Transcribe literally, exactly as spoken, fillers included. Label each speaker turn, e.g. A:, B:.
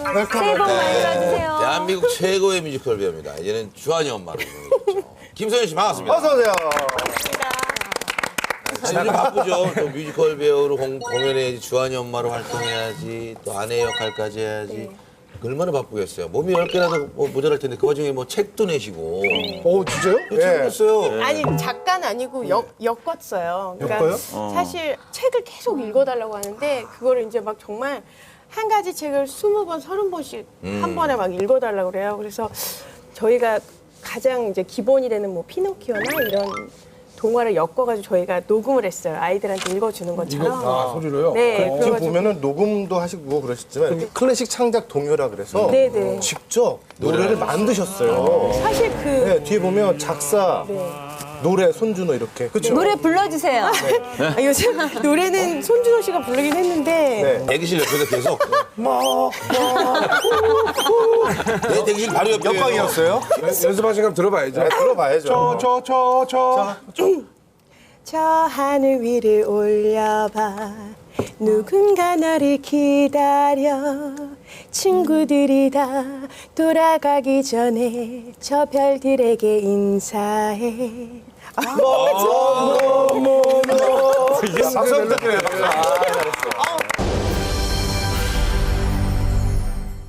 A: 새해 복 많이 받으세요.
B: 대한민국 최고의 뮤지컬 배우입니다. 이제는 주한이 엄마로 유명해졌죠. 김소연 씨 반갑습니다.
C: 어서 오세요.
B: 요즘 바쁘죠. 또 뮤지컬 배우로 공, 공연해야지, 주한이 엄마로 활동해야지, 또 아내 역할까지 해야지. 얼마나 바쁘겠어요. 몸이 열 개라도 뭐 모자랄 텐데 그 와중에 뭐 책도 내시고.
C: 오, 진짜요?
B: 책을 냈어요.
D: 아니 작가는 아니고 역, 엮었어요. 그러니까
C: 엮어요?
D: 사실 책을 계속 읽어달라고 하는데 그거를 이제 막 정말 한 가지 책을 스무 번, 서른 번씩 한 번에 막 읽어달라고 그래요. 그래서 저희가 가장 이제 기본이 되는 뭐 피노키오나 이런 동화를 엮어가지고 저희가 녹음을 했어요. 아이들한테 읽어주는 것처럼.
C: 아, 소리로요?
D: 네.
C: 지금
D: 그래가지고
C: 보면은 녹음도 하시고 그러셨지만 클래식 창작 동요라 그래서
D: 네네.
C: 직접 노래를 만드셨어요.
D: 사실 그
C: 네, 뒤에 보면 작사, 노래, 손준호 이렇게. 그렇죠?
A: 노래 불러주세요.
D: 아, 요즘 노래는 손준호 씨가 부르긴 했는데
C: 네.
B: 대기실 옆에서 계속. 내 대기실 바로 옆에.
C: 역광이었어요?
E: 연습하신 거 들어봐야죠.
C: 네, 들어봐야죠.
E: 저, 저, 저, 저.
D: 저 하늘 위를 올려봐 누군가 너를 기다려 친구들이 다 돌아가기 전에 저 별들에게 인사해
C: 박수 부탁드려요.